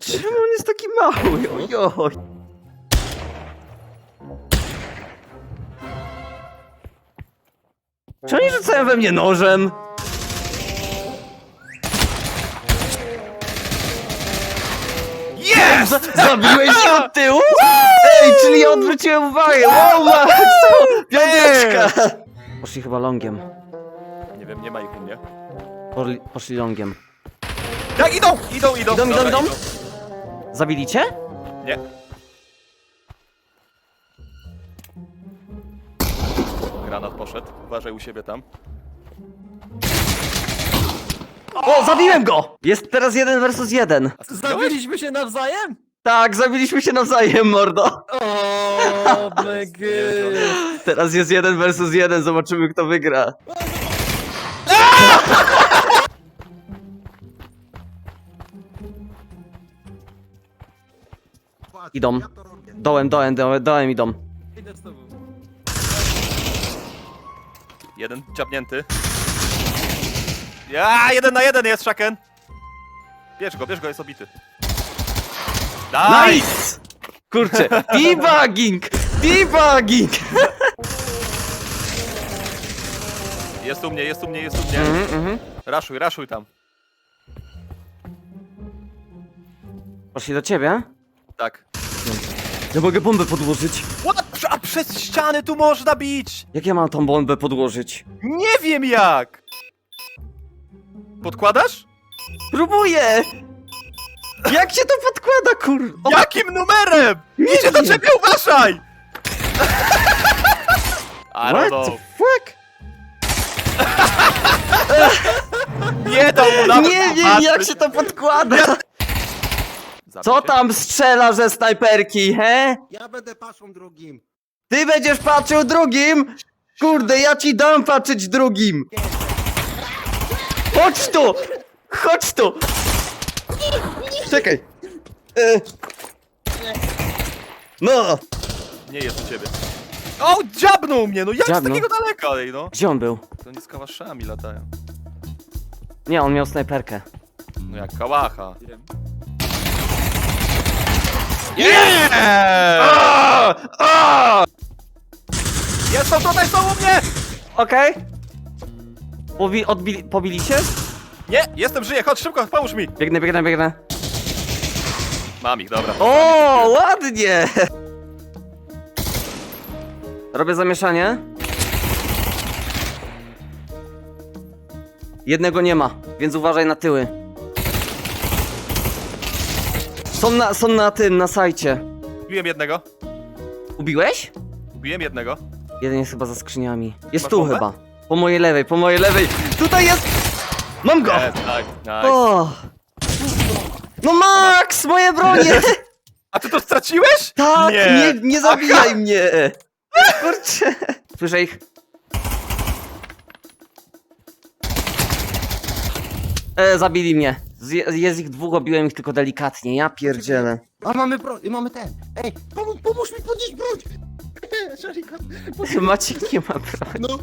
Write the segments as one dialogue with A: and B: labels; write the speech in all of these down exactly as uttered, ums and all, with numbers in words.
A: Czemu on jest taki mały? Ojoj. Czy oni rzucają we mnie nożem?
B: Jest!
A: Zabiłeś się od tyłu? Ej, czyli ja odwróciłem uwagę! Wow, Max! Piąteczka! Poszli chyba longiem.
B: Nie wiem, nie ma ich u mnie.
A: Poszli, poszli longiem.
B: Tak, idą! Idą, idą!
A: Idą, idą,
B: Dobra,
A: idą? Zabili cię?
B: Nie. Granat poszedł. Uważaj u siebie tam.
A: O, zabiłem go! Jest teraz jeden versus jeden.
B: A ty zabiliśmy?
C: Zabiliśmy się nawzajem?
A: Tak, zabiliśmy się nawzajem, mordo.
C: O, my god.
A: Teraz jest jeden versus jeden, zobaczymy kto wygra. Idą. Dołem, dołem, dołem, dołem idą.
C: Idę z tobą.
B: Jeden ciapnięty. Ja, jeden na jeden jest, Shaken! Bierz go, bierz go, jest obity. Nice!
A: Nice! Kurczę, debugging! Debugging!
B: Jest u mnie, jest u mnie, jest u mnie.
A: Mhm, mhm.
B: Raszuj, raszuj tam.
A: Poszli do ciebie?
B: Tak.
A: Ja mogę bombę podłożyć.
B: What? A przez ściany tu można bić!
A: Jak ja mam tą bombę podłożyć?
B: Nie wiem jak! Podkładasz?
A: Próbuję! Jak się to podkłada, kur... O,
B: Jakim numerem? Idzie do
A: wiem.
B: ciebie, uważaj! I don't
A: what
B: know.
A: the fuck?
B: Nie dał mu nawet
A: Nie wiem
B: popatrzeć.
A: jak się to podkłada!
B: Zabij
A: Co
B: się.
A: tam strzela ze snajperki, he?
D: Ja będę paszą drugim.
A: Ty będziesz patrzył drugim? Kurde, ja ci dam patrzeć drugim! Chodź tu! Chodź tu! Czekaj! E. No!
B: Nie jest u ciebie. O, dziabnął mnie, no jak
A: Dziabnął?
B: z takiego daleka, ej no?
A: Gdzie on był?
B: To nie z kałaszami latają.
A: Nie, on miał snajperkę.
B: No jak kałacha.
C: Wiem.
B: Nie! Jest, są tutaj, są u mnie!
A: Okej. Pobi odbili pobili się?
B: Nie, jestem, żyję, chodź szybko, pomóż mi.
A: Biegnę, biegnę, biegnę.
B: Mam ich, dobra.
A: O, ładnie! Robię zamieszanie. Jednego nie ma, więc uważaj na tyły. Są na, są na tym, na sajcie.
B: Ubiłem jednego.
A: Ubiłeś?
B: Ubiłem jednego.
A: Jeden jest chyba za skrzyniami. Jest
B: Masz
A: tu
B: bombę?
A: chyba. Po mojej lewej, po mojej lewej. Tutaj jest! Mam go!
B: Jest, tak, nice.
A: O! No Max, moje bronie!
B: A ty to straciłeś?
A: Tak, nie,
B: Nie.
A: nie, zabijaj mnie! Kurczę. Słyszę ich. E, zabili mnie. Z, jest ich dwóch, obiłem ich tylko delikatnie. Ja pierdzielę.
D: A mamy pro... i mamy ten. Ej, pomóż, pomóż mi podnieść broń. Szarikan.
A: Maciek nie ma broni.
D: No.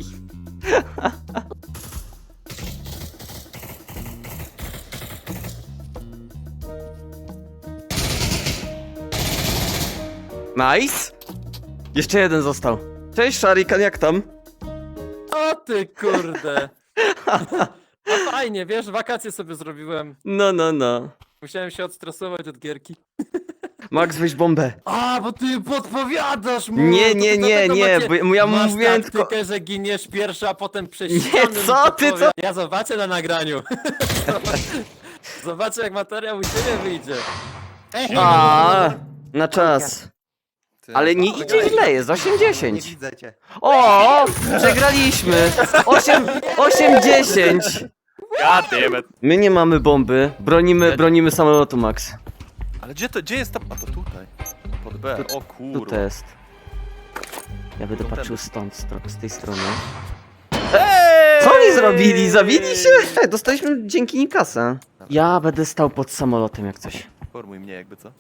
A: Nice. Jeszcze jeden został. Cześć Sharikan, jak tam?
C: O ty kurde. No fajnie, wiesz, wakacje sobie zrobiłem.
A: No, no, no.
C: Musiałem się odstresować od gierki.
A: Max, weź bombę.
C: A, bo ty podpowiadasz mu!
A: Nie,
C: to
A: nie,
C: ty
A: nie,
C: dlatego
A: nie,
C: macie-
A: bo ja
C: Masz
A: mówiłem
C: taktykę,
A: tylko...
C: że giniesz pierwszy, a potem przez
A: Nie,
C: ściany mi
A: co ty,
C: podpowiada-
A: co-
C: Ja zobaczę na nagraniu. Zobaczę jak materiał u ciebie wyjdzie.
D: Ej,
A: A, na czas.
B: Ty.
A: Ale nie idzie źle, jest osiem
D: nie
A: dziesięć.
D: widzę cię.
A: O, przegraliśmy. osiem dziesięć.
B: God damn it.
A: My nie mamy bomby. Bronimy, bronimy samolotu, Max.
B: Ale gdzie to, gdzie jest ta... A to tutaj. Pod B,
A: Tu-
B: o
A: Tu
B: kurwa.
A: to jest. Ja będę
B: To ten.
A: patrzył stąd, stro- z tej strony.
B: Hey!
A: Co oni zrobili? Zabili się? Ej, dostaliśmy dzięki nim kasę. Ja będę stał pod samolotem jak coś.
B: Formuj mnie jakby co.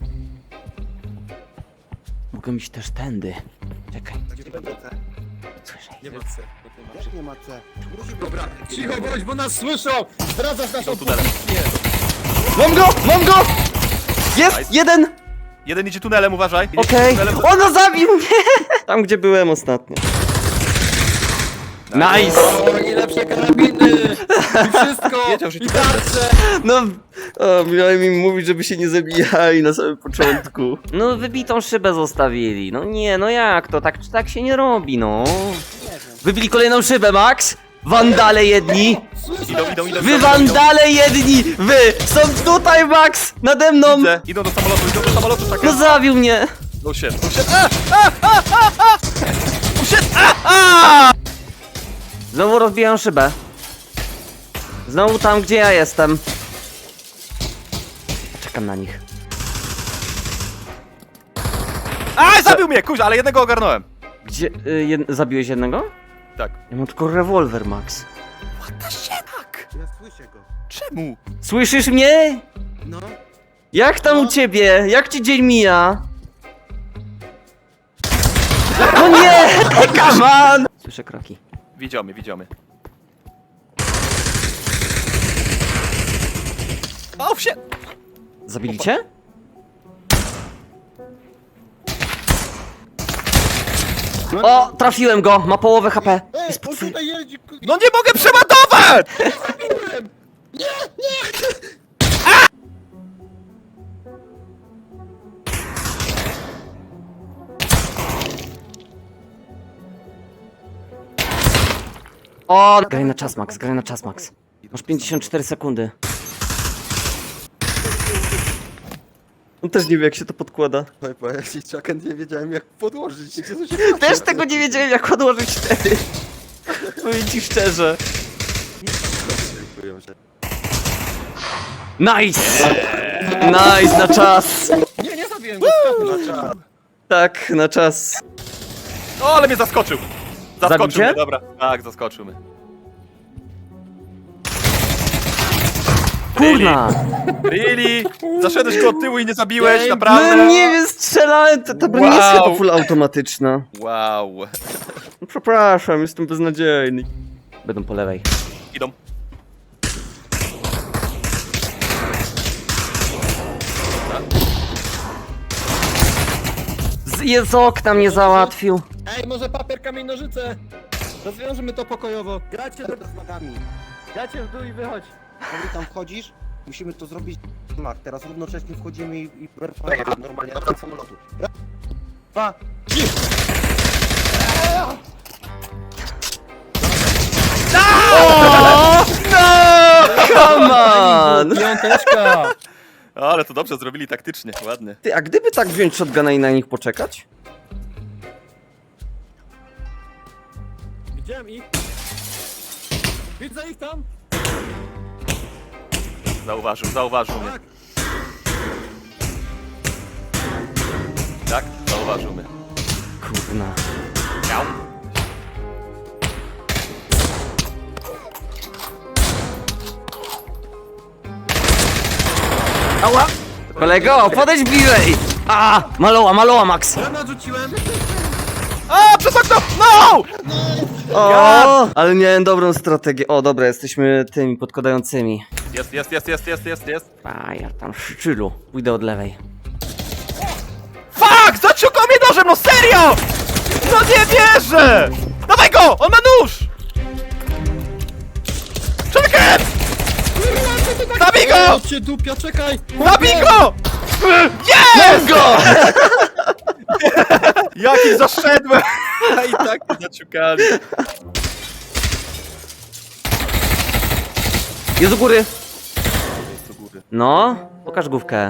A: Mogę iść też tędy. Czekaj,
D: Nie będę C.
A: słyszę.
C: Nie ma C.
D: Jak nie ma C? Musi być.
C: Dobra, cicho bądź, bo nas słyszą! Zdradzasz naszą
B: Są tunele.
C: pozycję!
A: Mam go! Mam go! Jest!
B: Nice.
A: Jeden!
B: Jeden idzie tunelem, uważaj. Idzie
A: Okej.
B: tunelem.
A: Ono zabił mnie! Tam, gdzie byłem ostatnio. Nice!
C: O, i lepsze karabiny! I wszystko!
B: Wiedział, że
C: I
B: ci będę.
C: tarcze!
A: No, o, miałem im mówić, żeby się nie zabijali na samym początku. No, wybitą szybę zostawili. No nie, no jak to? Tak, tak się nie robi, no. Wybili kolejną szybę, Max! Wandale jedni!
B: Idą, idą, idą.
A: Wy
B: idą,
A: wandale jedni! Wy! Są tutaj, Max! Nade mną!
B: Widzę. Idą do samolotu, idą do samolotu,
A: No
B: Chucken.
A: zabił mnie!
B: Oh shit, oh shit. A, a, a, a, a. Oh shit, a, a.
A: Znowu rozbijają szybę. Znowu tam, gdzie ja jestem. Czekam na nich.
B: A, zabił mnie, kuź, ale jednego ogarnąłem.
A: Gdzie... Y, jed... Zabiłeś jednego?
B: Tak.
A: Ja mam tylko rewolwer, Max.
B: Tak.
D: Ja słyszę go.
B: Czemu?
A: Słyszysz mnie?
D: No.
A: Jak tam u ciebie? Jak ci dzień mija? No nie! Come on! Słyszę kroki.
B: Widział mnie, widział mnie. Oh shit.
A: Zabili cię? O! Trafiłem go! Ma połowę H P.
D: Ej,
A: Jest pod...
D: on tutaj jeździ. ku-
B: No nie mogę przeładować!
A: O! Graj na czas, Max, graj na czas, Max. Masz pięćdziesiąt cztery sekundy. On też nie wie, jak się to podkłada.
D: Oj, bo ja się Chucken nie wiedziałem jak podłożyć. Gdzie to się
A: Też tego nie wiedziałem, jak odłożyć wtedy. Powiem ci szczerze.
D: Dziękuję, że...
A: Nice! Nice, na czas!
C: Nie, nie zabiłem go!
D: Na czas.
A: Tak, na czas.
B: O, ale mnie zaskoczył.
A: Zabił
B: Zaskoczył
A: cię?
B: mnie, dobra. Tak, zaskoczył mnie.
A: Kurna!
B: Really? Zaszedłeś go od tyłu i nie zabiłeś,
C: Ej,
B: naprawdę?
A: No nie wiem, strzelałem, to, to broń jest
B: Wow.
A: chyba full automatyczna.
B: Wow.
A: No, przepraszam, jestem beznadziejny. Będą po lewej.
B: Idą.
A: Z, jest z okna mnie załatwił.
C: Ej, może papier, kamień, nożyce! Rozwiążmy to pokojowo.
D: Gracie do z nogami.
C: Dajcie w dół i wychodź.
D: Jeżeli tam wchodzisz, musimy to zrobić. Mak, teraz równocześnie wchodzimy i, i perfajnie normalnie na brak samolotu. Raz, dwa, trzy!
A: O! No! Come on!
C: Piąteczka!
B: Ale to dobrze zrobili taktycznie, ładnie.
A: Ty, a gdyby tak wziąć shotguna i na nich poczekać?
C: Widziałem ich. Widzę ich tam.
B: Zauważył, zauważył mnie. Tak, zauważył mnie.
A: Kurna.
B: Miał.
A: Ała! Kolego, podejdź bliżej! A! Maloła, maloła, Max!
C: Granat rzuciłem.
B: A, przez okno! No!
A: O! Ale miałem dobrą strategię. O, dobra, jesteśmy tymi podkładającymi.
B: Jest, jest, jest, jest, jest, jest, jest.
A: A, ja tam w szczylu. Pójdę od lewej.
B: Fuck! Zaciukał mnie nożem, no serio! No nie wierzę! Dawaj go! On ma nóż! Czekaj! Zabij go!
C: Ej, cię dupia, czekaj!
B: Zabij go! Jest!
A: Go!
B: Jaki zaszedłem! A i tak mnie zaciukali.
A: Jest u góry.
B: Jest do góry.
A: No, pokaż główkę.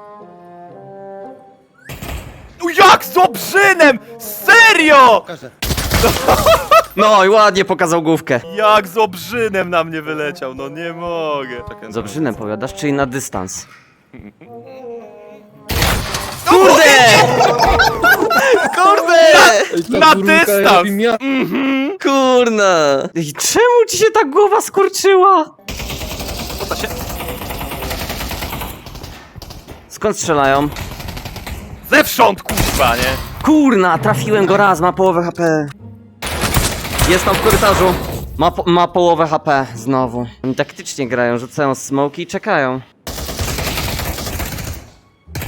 B: No jak z obrzynem! Serio!
D: Pokażę.
A: No i ładnie pokazał główkę.
B: Jak z obrzynem na mnie wyleciał, no nie mogę. Czekaj,
A: Z obrzynem powiadasz, czyli na dystans.
B: Kurde!
A: Kurde!
B: Na dystans!
A: Kurna! I czemu ci się ta głowa skurczyła?
B: Co to się...
A: Skąd strzelają?
B: Zewsząd, kurwa, nie?
A: Kurna, trafiłem go raz, ma połowę H P. Jest tam w korytarzu. Ma, po, ma połowę H P znowu. Oni taktycznie grają, rzucają smoki i czekają.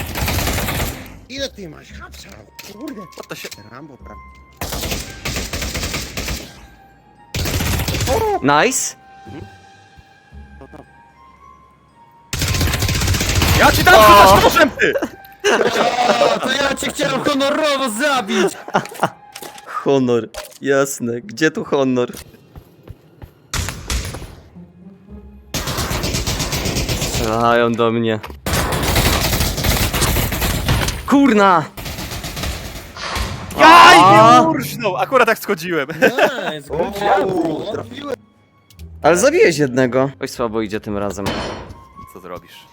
D: Ile ty masz hapsa? Kurde.
B: Co to się...
D: Rambo, prawda?
A: Nice.
B: Ja ci dam rzucać nożem, ty!
C: O, to ja cię chciałem honorowo zabić!
A: Honor. Jasne. Gdzie tu honor? Strzelają do mnie. Kurna!
B: Jaj,
A: A!
B: nie urżnął! Akurat jak schodziłem.
C: Nice,
D: O,
C: good job, bro.
D: trafiłem.
A: Ale zabiłeś jednego. Oj, słabo idzie tym razem.
B: Co zrobisz?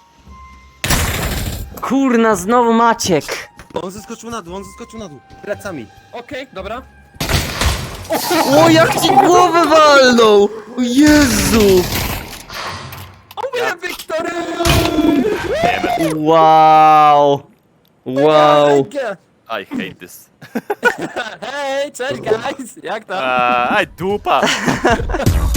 A: Kurna, znowu Maciek.
D: On zeskoczył na dół, on zeskoczył na dół. Plecami.
C: Okej, dobra.
A: O, jak ci głowę walnął! O Jezu!
C: Ja Wiktory!
A: Wow! Wow!
B: I hate this.
C: Hej, cześć guys! Jak tam?
B: Aj, dupa!